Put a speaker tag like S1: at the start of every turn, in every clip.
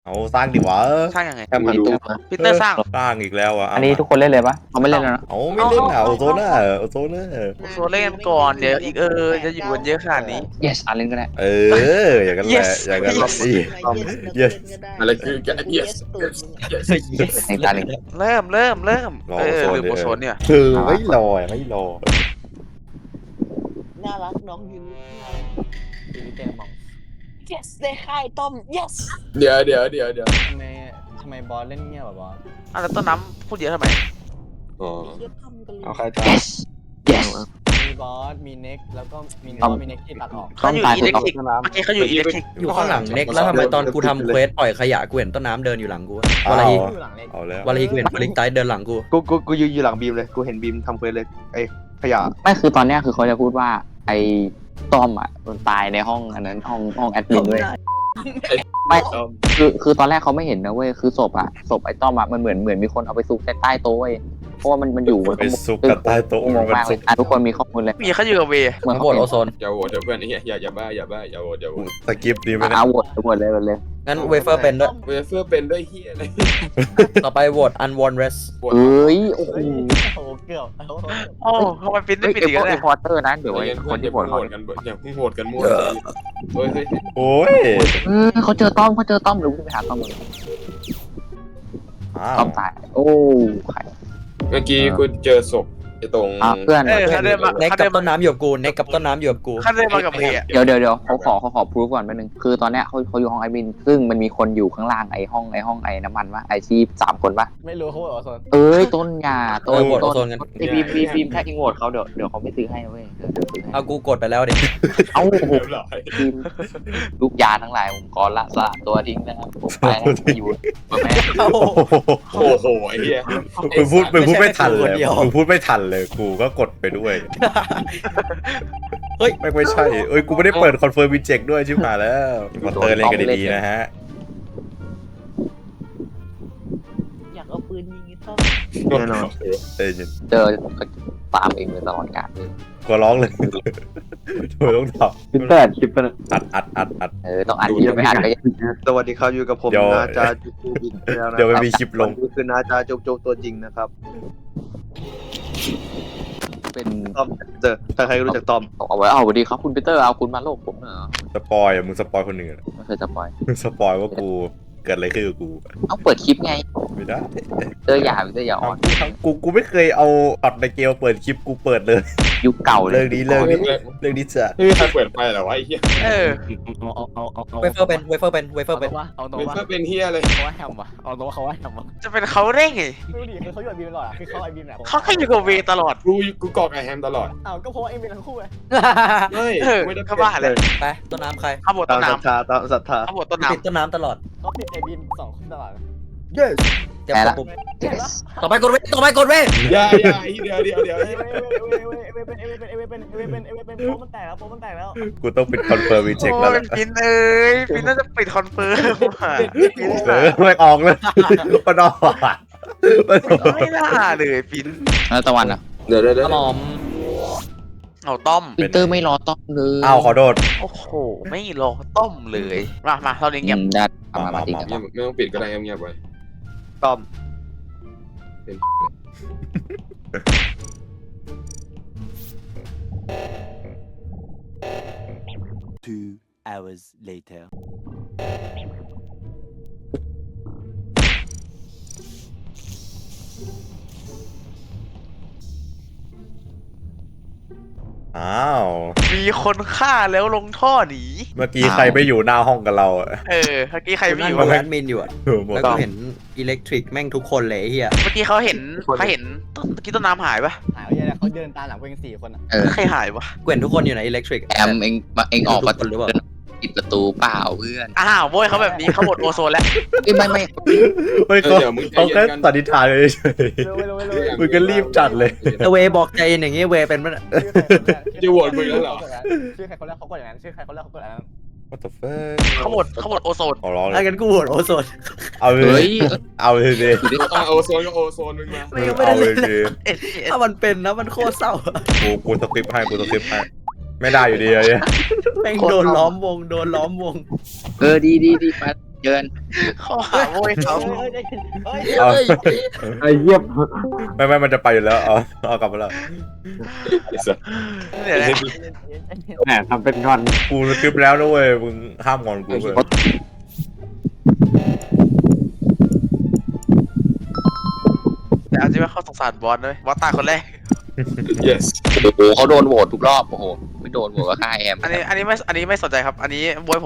S1: เอาสร้างดิวะ
S2: สร้างยังไง
S3: แอมมาดู
S2: พีเตอร์สร้าง
S1: สร้างอีกแล้วอ่ะ
S4: อันนี้ทุกคนเล่นเลยปะเขาไม่เล่นแล้วนะ
S1: เอาไม่เล่นอ่ะโอโซน่าโอโซน่า
S2: โซเล่นก่อนเดี๋ยวอีกจะอยู่กันเยอะขนาดนี้
S4: yes เล่นก็ได้
S1: อย่างนั้นแหละ
S2: Yes
S1: อย่างนั้นแหละ
S3: Yes อะไรคือ yes
S4: ในตาเล่น
S2: เริ่มหรือโอโซนเนี่ย
S1: ไม่รอ
S5: น่ารักน้องยูyes ได้ค่ายต้ม yes
S3: เดี๋ยว
S6: ทำไมบอสเล่นเงียบแบบบอส
S2: แล้วต้นน้ำพูดเยอะทำไม
S3: อ๋อ
S5: เทียบทำกันเลย
S3: เอาใครตาม
S4: yes yes
S6: มีบอสมีเน็กแล้วก็มี
S4: ต้อม
S6: มีเน็กที่ตัดออก
S2: เขาอยู่อิเล็กทริกเมื่อกี้เขาอยู่อิเล็กทริก
S7: อยู่ข้างหลังเน็กแล้วทำไมตอนกูทำเควสปล่อยขยะกูเห็นต้นน้ำเดินอยู่หลังกูวะลาฮี
S6: อยู่หลังเน็ก
S1: เอาแล้ว
S7: วาลาฮีกูเห็นบลิงไตเดินหลังกู
S8: กูยืนอยู่หลังบีมเลย กูเห็นบีมทำเควสเลยไอ้ขยะ
S4: ไม่คือตอนเนี้ยคือเขาจะพูดว่าไอ้ต้อมอ่ะมันตายในห้องอันนั้นห้องแอดมินด้วยไม่คือตอนแรกเขาไม่เห็นนะเว้ยคือศพไอ้ต้อมอ่ะมันเหมือนมีคนเอาไปซุกใต้โต๊ะเว้ยเพราะว่ามันอยู่
S1: ไปซุกกันใต้โต๊ะ
S4: งงมากเลยทุกคนมีข้อมูลเลย
S2: มีเขาอยู่กับเว
S4: เหมือน
S7: โหวตโอโซน
S3: อย่าโหวตเดี๋ยวเพื่อนไอ้เหี้ยอย่าบ้าอย่าโหวตอย่าโหวต
S1: สกิปดีไหม
S4: โหวตเลย
S7: งั้นเวเฟอร์เป็นด้วย
S3: เวเฟอร์เป็นด้วยเหี้ยอะไร
S7: ต่อไปโหวตอันวอนเรส
S3: โหวต
S4: เอ้ยโอ้โห
S6: โอ้โหเกือบ
S2: โอ้ทำไมปิ้นได้
S4: ไอ้
S2: ปิดอีก
S4: พว
S2: แล้ว
S4: ก
S2: เนี่ย
S4: รีพอร์เตอร์นะเดี๋ยวไอ้
S3: อย่า
S4: คนที่โหวตเขา
S3: กันอย่าเพิ่งโหวตกันมั่วเฮ้ย
S1: โอ้ย
S4: เขาเจอต้อมหรือไปหาต้อมเลยต้อมตายโอ้ใคร
S3: เมื่อกี้กูเจอศพไอ้ตรง
S4: เพื่อน
S2: เขาเดินมา
S7: เน็กกับต้นน้ำอยู่กับกูเน็กกับต้นน้ำอยู่กับกู
S2: เขาเดินมากับเว
S4: เดี๋ยวเขาขอพรูฟก่อนแป๊บนึงคือตอนเนี้ยเขาอยู่ห้องไอบินซึ่งมันมีคนอยู่ข้างล่างไอห้องไอน้ำมันวะไอชีพ3 คนปะ
S6: ไม่รู้เขาบอกว่าโซน
S4: เอ้ยต้นยาต้น
S7: โหวตโอโซนกัน
S4: ไอบีมแค่อิงโหวตเขาเดี๋ยวเขาไม่ซื้อให้เว้ยเดี๋ยวซื้อให้
S7: เอากูกดไปแล้วดิ
S4: เอ้าโอ้โห
S3: เรียบร้อย
S4: บีมลูกยาทั้งหลายผมขอละสละตัวทิ้งนะครับผมไปแล้วอยู่กับแม่
S7: โอ้โห
S3: โอ้โหไอ้เหี้ย
S1: มึงพูดไม่ทันเลย
S7: ไม่ใช่แค่กูคนเดียว
S1: มึงพูดไม่ทันเลยกูก็กดไปด้วย
S7: เฮ้ย
S1: ไม่ใช่กูไม่ได้เปิดคอนเฟิร์มวินเจ็คด้วยชิบหายแล้วมอนเตอร์เล่นกันดีๆนะฮะ
S5: อยากเอาปืนยิงไอ้ต้ม
S8: แน่นอน
S1: เอ้ยยิน
S4: เจอก็ตามเองเลยตลอดกาล
S1: ก็ร้องเลยโดยต้องตอบ
S8: คลิปแปดคลิปแปด
S1: อัด
S4: ต้องอ่านที่ไม่อ่านก็ยัง
S8: สวัสดีครับอยู่กับผม
S1: เดี๋ยว
S8: นาจาจุกจุกอีกแล้วนะ
S1: เดี๋ยวมันมีคลิปลง
S8: นี่คือนาจาจุกจุกตัวจริงนะครับ
S4: เป็น
S8: ต้อมเจอถ้าใครรู้จักต้อม
S4: เอาไว้เอาสวัสดีครับคุณปีเตอร์เอาคุณมาโลกผมเหรอ
S1: สปอยมึงสปอยคนหนึ่ง
S4: ไม่เคยสปอย
S1: มึงสปอยว่ากูเกิดอะไรขึ้นกับกู
S4: เอาเปิดคลิปไง
S1: ไม่ได้
S4: เตอร์อย่าอ่อน
S1: กูไม่เคยเอาช็อตในเกมเปิดคลิปกูเปิดเลย
S4: ยุคเก่าเลย
S1: เรื่องนี้จะ
S3: ไม่มีใครเปิดไฟเหรอวะไอ้เหี้ย
S2: เออ
S7: เวเฟอร์เป็นเวเฟอร์เป็นเวเฟอร์เป็น
S6: เอาตร
S3: เว
S6: งว่า
S3: เฟอร์เป็นเหี้ยเลย
S6: เขาว่าแฮมวะเอาตรงว่าเขาว่าแฮมวะ
S2: จะเป็นเขาได้ไง
S6: ไม่รู้ดิคือเขาอยู่กับบีมตลอดคือเขาไอบีมแหละ
S2: เขาแค่อยู่กับเวตลอด
S3: กูกอกไอแฮมตลอด
S6: อ้าวก็เพราะว่าไอบีมทั้งคู่ไง
S3: เฮ้ย
S2: เออ
S3: ไม่ได้
S2: เขาบ้าเลย
S7: ไปต้นน้ำใคร
S2: เขาบท
S8: ตา
S2: ต้
S8: ม
S2: น
S8: ศรัท
S2: น้ำ
S8: ธาตามศรัทธา
S2: เขาบทต้น
S7: ติด
S2: น้ำ
S7: ต้นน้ำตลอด
S6: เขาติดไอบีม2 คนตลอด
S7: เจ็บปุ๊บต่อไปกดเว
S3: อย่าเดี๋ยว
S6: เอเวเป็นโป๊มันแตกแล้ว
S1: กูต้องปิดคอนเฟิร์มวินเจ็ค
S2: โอ้
S1: แล้ว
S2: เป็นปิ้นปิ้นน่าจะปิดคอนเฟิร์มว่ะ
S1: ไม่ออกเลยมันออก
S2: ไม่น่าเลยปิ้น
S4: แล้วตะวันอ่ะ
S3: เดี๋ยว
S7: กระหม่อม
S2: เอาต้ม
S4: ปีเตอร์ไม่รอต้อมเลย
S1: อ้าวขอโทษ
S2: โอ้โหไม่รอต้มเลยมาเท่านี้เงียบ
S4: ได้มาติดกัน
S3: ไม่ต้องปิดก็ได้เงียบๆไว้
S8: ต้อม
S3: เป็น
S9: 2 hours later.
S1: อ้าว
S2: มีคนฆ่าแล้วลงท่อหนี
S1: เมื่อกี้ใครไม่อยู่หน้าห้องกับเราอะ
S2: เมื่อกี้ใครไม่
S7: นั่
S2: อง ยู่
S7: กับ
S2: เ
S7: แอดมินอยู่อะ
S1: หมด
S7: แล้วก็เห็นอิเล็กทริกแม่งทุกคนเลยไอ้เฮีย
S2: มื่อกี้เขาเห็นเมื่อกี้ต้นน้ำหายปะ
S6: หายไปยังเขาเดินตามหลังเพื่อน4 คนอ่ะ
S2: ใครหายวะ
S7: กูเห็นทุกคนอยู่ในอิเล็กทริก
S4: แอมเองออกประตู
S7: หรือเปล่า
S4: ปิดประตูเปล่าเพื่อน
S2: อ้าวโว้ยเขาแบบนี้เขาหมดโอโซนแล้ว
S4: ไม่
S1: เฮ้ยเขาแค่สันนิษฐานเลยเฉย
S6: เร็ว
S1: มึงก็รีบจัดเลย
S7: แต่เวบอกใจอย่างงี้เวเป็นมัน
S3: จะโหวตมึงแล้วเหรอ
S6: ชื่อใครคนแรกเขากดอย่างนั้นชื่อใครคนแรกเขากดอย่างนั้น
S1: What the fuck
S2: เขาหมดโอโซน
S1: ขอร้องเล
S7: ถ้าย งั้นกูโหวตโอโซน
S1: เอาเล
S4: เฮ้
S1: ย
S4: ย
S1: เอาเลยดิ
S3: โอโซนก็โอโซนมึงมา
S7: ไม่ยังไม่ได้
S1: เอาเล
S7: เล่
S1: ย
S7: น
S1: ดิ
S7: ถ้ามันเป็นนะมันโคตรเศร้า
S1: กูสคริปต์ให้ไม่ได้อยู่ดีเลย
S7: แม่งโดนล้อมวง
S4: ดีไปเยิน
S2: เขาหาโวยเขา
S1: เอา
S8: ไอ้เยี่ยม
S1: ไม่มันจะไปอยู่แล้วเอากลับมาแล้ว
S2: เนี่ยแหละ
S8: แหมทำเป็นงอน
S1: กูคลิปแล้วนะเว้ยมึงห้ามงอนกูเลย
S2: แต่เอาจริงว่าเขาสงสารบอสเลยบอสตายคนแรก
S3: yes
S4: โอ้โหเขาโดนโหวตทุกรอบโอ้โหไม่โดนโหวตก็ฆ่าแอม
S2: อันนี้ไม่สนใจครับ อันนี้บวยผม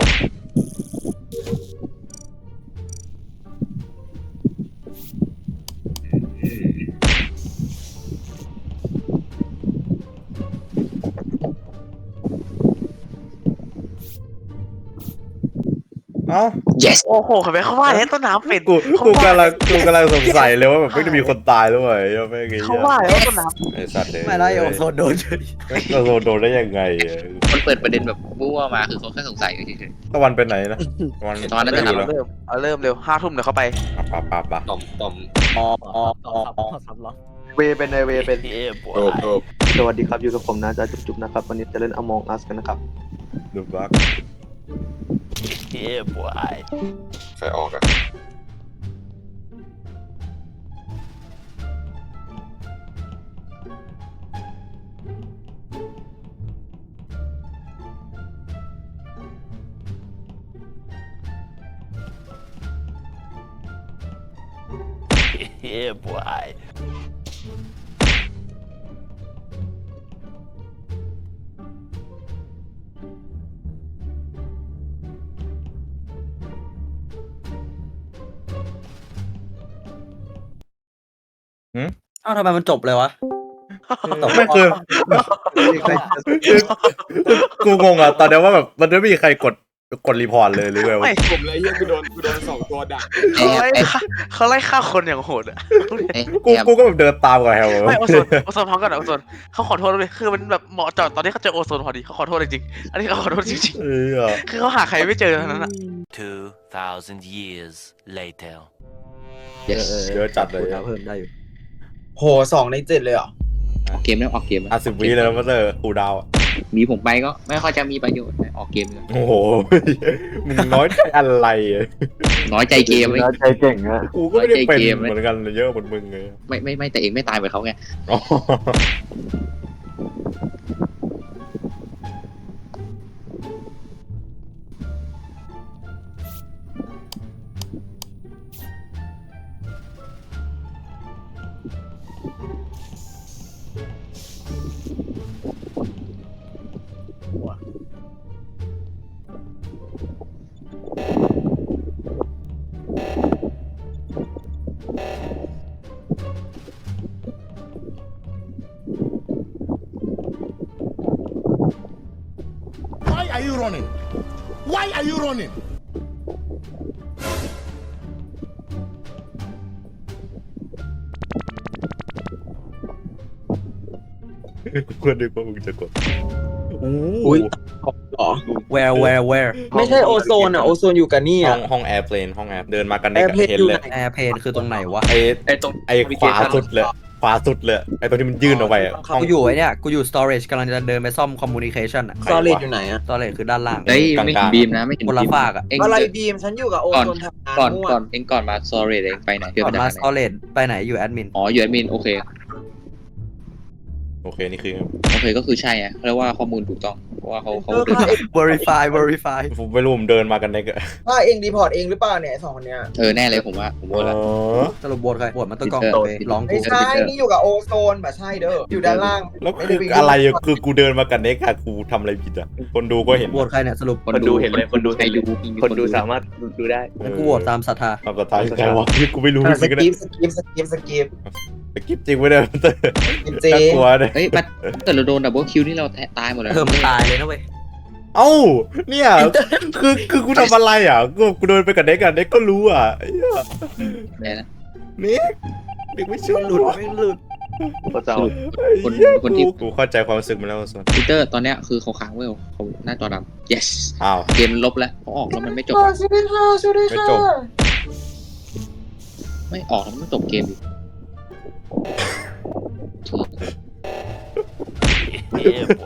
S1: เอ้า
S4: yes
S2: โอ้โหเห็นไหมเขาว่าแล้วต้นน้ำเป็น
S1: กูกำลังสงสัยเลยว่าแบบไม่ได้มีคนตายแล้วเว้ยไม่ไง
S2: เขาว่าแล้วต้นน้
S1: ไอ้สัตว์เลย
S7: ไม่ได้โอโซนโดน
S1: โดนได้ยังไง
S4: มันเปิดประเด็นแบบมั่วมาคือเขาแค่สงสัยเฉย
S1: ตะวันเป็นไหนนะตะวัน
S4: ตอนนั้น
S2: ำ
S4: จะ
S1: ไม่อยู่แล้ว
S2: เริ่มเร็ว5 ทุ่มเดี๋ยวเข้าไป
S1: ปะ
S3: ต่อม
S6: สับล็อก
S8: เวเป็นไอเวเป็น
S3: โดบ
S8: สวัสดีครับอยู่กับผมนะจ๊ะจุ๊บๆนะครับวันนี้จะเล่น Among Us กันนะครับ
S1: ดูบัก
S3: ใครออกอะ
S7: เอ้าทำไมมันจบเลยวะ
S1: ไม่เคยกูงงอ่ะตอนนี้ว่าแบบมันไม่มีใครกดรีพอร์ตเลยหรือไงวะ
S2: ไม่
S3: ผมเลยเฮียกูโดน2 ตัวดัก
S4: ๆ
S2: เขาไล่ฆ่าคนอย่างโหดอะ
S1: กูก็แบบเดินตามกับแฮล
S2: ไม่โอโซนพร้อมกันโอโซนเขาขอโทษเลยคือมันแบบเหมาะจอดตอนที่เขาเจอโอโซนพอดีเขาขอโทษจริงๆอันนี้เขาขอโทษจริงๆคือเขาหาใครไม่เจอทั้งนั้นอะ
S9: 2,000 years later.
S1: เยอะจัดเลย
S7: เพิ่มได้อยู่
S6: โห2 ใน 7เลยเหรอ
S4: ออกเกมแล้วออกเกมแล้ว
S1: 10 วิเลยนะมาเตอร์กูดาว
S4: มีผมไปก็ไม่ค่อยจะมีประโยชน์ออกเกมเลย
S1: โอ้โหมึงน้อยใจอะไร
S4: น้อยใจเกม
S8: แล้วใจเก่งอะ
S1: กูก็ไม่ได้เป็นเหมือนกันเยอะเหมือนมึงไง
S4: ไม่แต่เองไม่ตายเหมือนเขาไง
S10: Why are you running? Why are you running?
S1: กูนึกว่ามึงจะกด
S6: อุ้ยอ๋อ
S7: where
S6: ไม่ใช่โอโซนอ่ะโอโซนอยู่กับนี่
S1: ห้อ
S6: อ่ะ
S1: งห้องแอร์เพลนห้องแอร์เดินมากันได้
S6: Airplane
S1: เห็น
S6: อยู่
S1: เลย
S6: ไหน
S7: แอร์เพนคือตรงไหนวะ
S1: ไอ้ขวาสุดเลยขวาสุดเลยไอ้ตัวที่มันยื่นออกไปอะห้อง
S7: กูอยู่ไอ้เนี่ยกูอยู่ storage กำลังจะเดินไปซ่อม communication อะ
S6: ซอเลตอยู่ไหนอ่ะ
S7: storage คือด้านล่าง
S4: เฮ้ยไม่เห็นบีมนะไม่เห็น
S7: คนละฝากอะ
S4: เอง
S6: อะไรบีมฉันอยู่กับโอโซนทำงาน
S4: ก่อน
S6: มั่ว
S4: ก่อนเองก่อนมาซอรี่เองไปไหนเพื่อ
S7: ก่อน
S4: ไป
S7: มา
S4: ไหน
S7: storage ไปไหนอยู่แอดมิน
S4: อ๋ออยู่แอดมินโอเค
S1: โอเคนี่คือ
S4: โอเคก็คือใช่อะเรียกว่าข้อมูลถูกต้องเพราะว่าเขา
S6: เออ
S4: เดิน
S7: verify
S1: ผมไม่รู้ผมเดินมากันได้ก็
S6: ว่าเองรีพอร์ตเองหรือเปล่าเนี่ย2 คนเนี้ย
S4: แน่เลยผมว่าผมว่าแล้ว
S7: สรุปโหวตใครโหวตมันต้องกล้อง
S4: Twitter
S7: ไปร้องกู
S6: ไม่ใช่นี่อยู่กับโอโซนแบบใช่เด้ออยู่ด้านล่าง
S1: แล้วคืออะไรอะคือกูเดินมากันเน็กอะกูทำอะไรผิดอะคนดูก็เห็น
S7: โหวตใครเนี่ยสรุป
S8: คนดูเห็นเลยคนดู
S4: ใครดู
S8: คนดูสามารถดูได้
S7: งั้นกูโหวตตามศรัทธา
S1: ทำสไตล์ใครวะที่กูไม่รู้จ
S6: ส
S1: ริงๆนะ
S6: กิปสกิป
S1: สกิปจริงไม่ได้เตอร์
S6: เจ
S1: น่ากลัวเลย
S4: เฮ้ยมันเกิดเราโดนดับเบิลคิวนี่เราตายหมดเลย
S7: มันตายเลยนะเว้ย
S1: เอ้าเนี่ยคือกูทำอะไรอ่ะกูเดินไปกับเน็กอะเน็กก็รู้อ่ะไอ้เหี้ย
S4: เนี่ยนะ
S1: เน็กไม่เชื่อหลุด
S8: พระเจ้า
S4: คนที่
S1: กูเข้าใจความรู้สึกมันแล้วส่วน
S4: ปีเตอร์ตอนเนี้ยคือเขาค้างไว้เขาหน้าจอดำ yes
S1: อ้าว
S4: เกมลบแล้วเขาออกแล้วมันไม่จบ
S1: ไม่จบ
S4: ไม่ออกแล้วมันไม่จบเกมอีก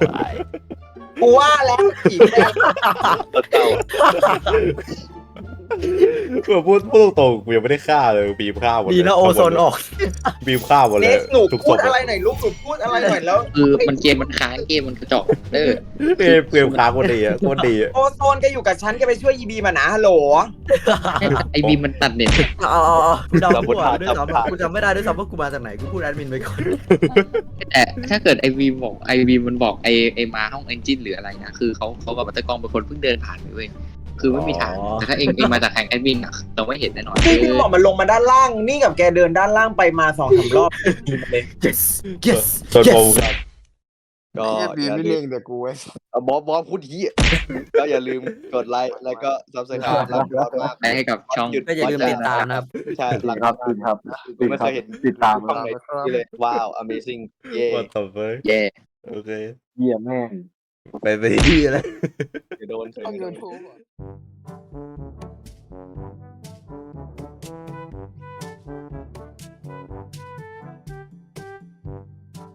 S6: กูว่าแล้วผีแม่ง
S8: พระเจ้า
S1: แบบพูดตรงๆกูยังไม่ได้ฆ่าเลยบีบฆ่าหมดเลย
S7: ดีนะโอโซนออก
S1: บีบฆ่าหมดเลย
S8: หนู
S1: ทุกศ
S8: พู
S1: พ
S8: ดอะไรหน่อยลูกหนูพูดอะไรหน่อยแล้ว
S4: คือมันเกมมันค้างเกมมันกระจอกเด้อ
S1: เกมค้างคนดีอ่ะคนดีอ่ะ
S8: โอโซนแกอยู่กับฉันแกไปช่วยยีบีมานะฮัลโหล
S4: ไอบีมมันตัดเน็ต
S7: เอากูเดาไม่ถูกด้วยซ้ำกูจำไม่ได้ด้วยซ้ำว่ากูมาจากไหนกูพูดแอดมินไปก่อน
S4: แต่ถ้าเกิดไอบีมบอกไอบีมมันบอกไอมาห้องเอนจินหรืออะไรนะคือเขากับบัตเตอร์กองเป็นคนเพิ่งเดินผ่านไปเว้ยคือไม่มีทางแต่ถ้าเองมาจากแห่งแอดมินอ่ะเราไม่เห็นแน่นอน
S8: พี่พี่บอกมันลงมาด้านล่าง นี่กับแกเดินด้านล่างไปมา2-3 รอบเลย
S7: yes yes
S1: โซนโปรครับ
S8: ก็
S10: บีมไม่เล่งแต่กูไอ้
S8: บอสพูดที่ก็อย่าลืมกดไลค์แล้วก็ซับสไครต์รักยอดมาก
S4: ให้กับช่อง
S7: ก็อย่าลืมติดตามนะครับ
S8: ใช่หลัง
S6: ครับครับ
S8: กูไม่เคยเห็น
S6: ติดตาม
S8: ช่องไหนที่เลยว้าว amazing เย่
S1: ว่าต่อไป
S4: แย่
S1: โอเค
S6: เยี่ยมแม่
S1: ไปที่อะไร
S8: โดนเฉย
S5: ต้อง
S8: โด
S5: ยู
S8: น
S5: ทูบ